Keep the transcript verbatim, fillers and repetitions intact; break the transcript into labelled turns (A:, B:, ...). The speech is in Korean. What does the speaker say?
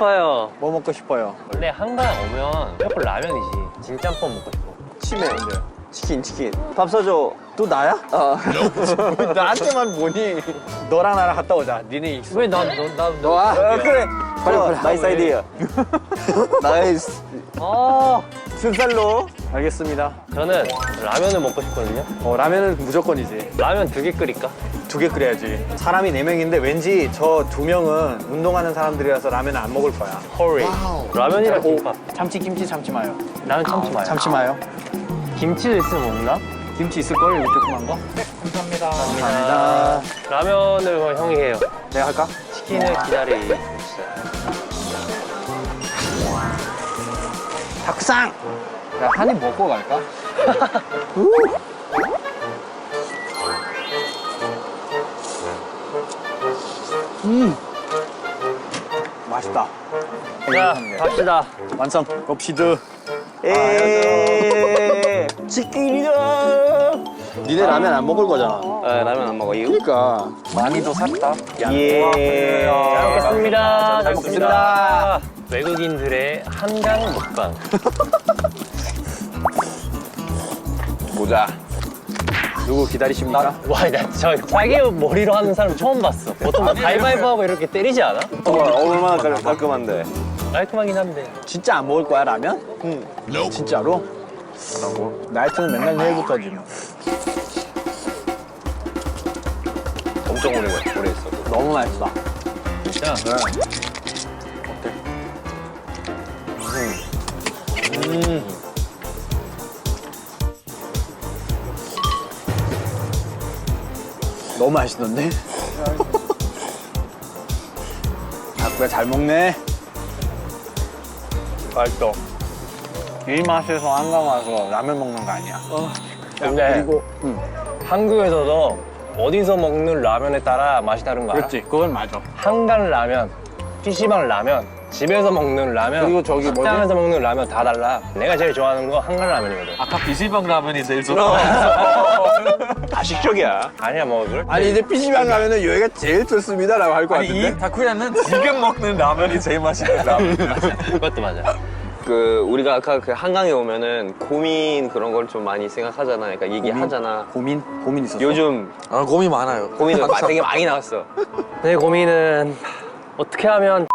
A: 배고파요.
B: 뭐 먹고 싶어요?
A: 원래 한강 오면 무조건 라면이지. 진짬뽕 먹고 싶어.
C: 치매. 치킨, 치킨. 밥 사줘.
B: 또 나야?
C: 어.
B: 왜 나한테만 보니? 너랑 나랑 갔다 오자. 니네 익숙.
A: 왜 나, 너, 나, 너.
C: 너와?
B: 어, 그래.
C: 빨리,
B: 어,
C: 빨리. 나이스 아이디어. 나이스.
A: 아,
C: 순살로.
B: 알겠습니다.
A: 저는 라면을 먹고 싶거든요.
B: 어, 라면은 무조건이지.
A: 라면 두 개 끓일까?
B: 두 개 끓여야지. 사람이 네 명인데 왠지 저 두 명은 운동하는 사람들이라서 라면을 안 먹을 거야.
A: 허리. 라면이랑 김밥.
B: 참치, 김치, 참치 마요.
A: 라면 참치 마요.
B: 참치 마요.
A: 김치도 있으면 먹나?
B: 김치 있을걸? 이거 조그만 거? 네, 감사합니다. 감사합니다.
A: 라면을 그럼 형이 해요.
B: 내가 할까?
A: 치킨을 기다리고 있어요.
B: 닭상! 야, 한 입 먹고 갈까? 음! 맛있다.
A: 자, 갑시다.
B: 완성. 곱시드.
C: 에이. 치킨이다. 니네 라면 안 먹을 거잖아.
A: 네, 라면 안 먹어요.
C: 그러니까.
B: 많이도 샀다.
C: 예.
A: 잘 먹겠습니다. 잘
C: 먹겠습니다.
A: 외국인들의 한강 먹방.
C: 보자.
B: 누구 기다리십니까?
A: 와, 나 저 자기 머리로 하는 사람 처음 봤어. 보통 막 가위바위보 하고 이렇게 때리지 않아?
C: 어, 얼마나 깔- 깔끔한데.
A: 깔끔하긴 한데.
B: 진짜 안 먹을 거야, 라면?
C: 응.
B: 진짜로? 나이트는 맨날 내일부터지 뭐.
C: 엄청 오래, 오래 했어.
B: 너무 맛있다.
A: 진짜?
B: 음. 너무 맛있던데? 닭구야 잘 먹네.
A: 맛있어.
B: 이 맛에서 한강 와서 라면 먹는 거 아니야.
A: 근데
B: 그리고 응.
A: 한국에서도 어디서 먹는 라면에 따라 맛이 다른 거 알아?
B: 그렇지, 그건 맞아.
A: 한강 라면, 피시방 라면, 집에서 먹는 라면,
B: 그리고 저기 뭐지?
A: 식당에서 먹는 라면 다 달라. 내가 제일 좋아하는 거 한강 라면이거든.
D: 아까 비실방 라면이 제일 좋다.
C: 가식적이야.
A: 아니야 뭐 그럴 때.
B: 아니 이제 피시방 가면은 여기가 제일 좋습니다라고 할 것
D: 아니
B: 같은데.
D: 이 다쿠야는 지금 먹는 라면이 제일 맛있는 라면.
A: 그것도 맞아.
C: 그 우리가 아까 그 한강에 오면은 고민 그런 걸 좀 많이 생각하잖아. 그러니까 얘기하잖아.
B: 고민? 고민 있었어?
C: 요즘
D: 아 고민 많아요.
C: 고민이 되게 많이 나왔어.
A: 내 고민은 어떻게 하면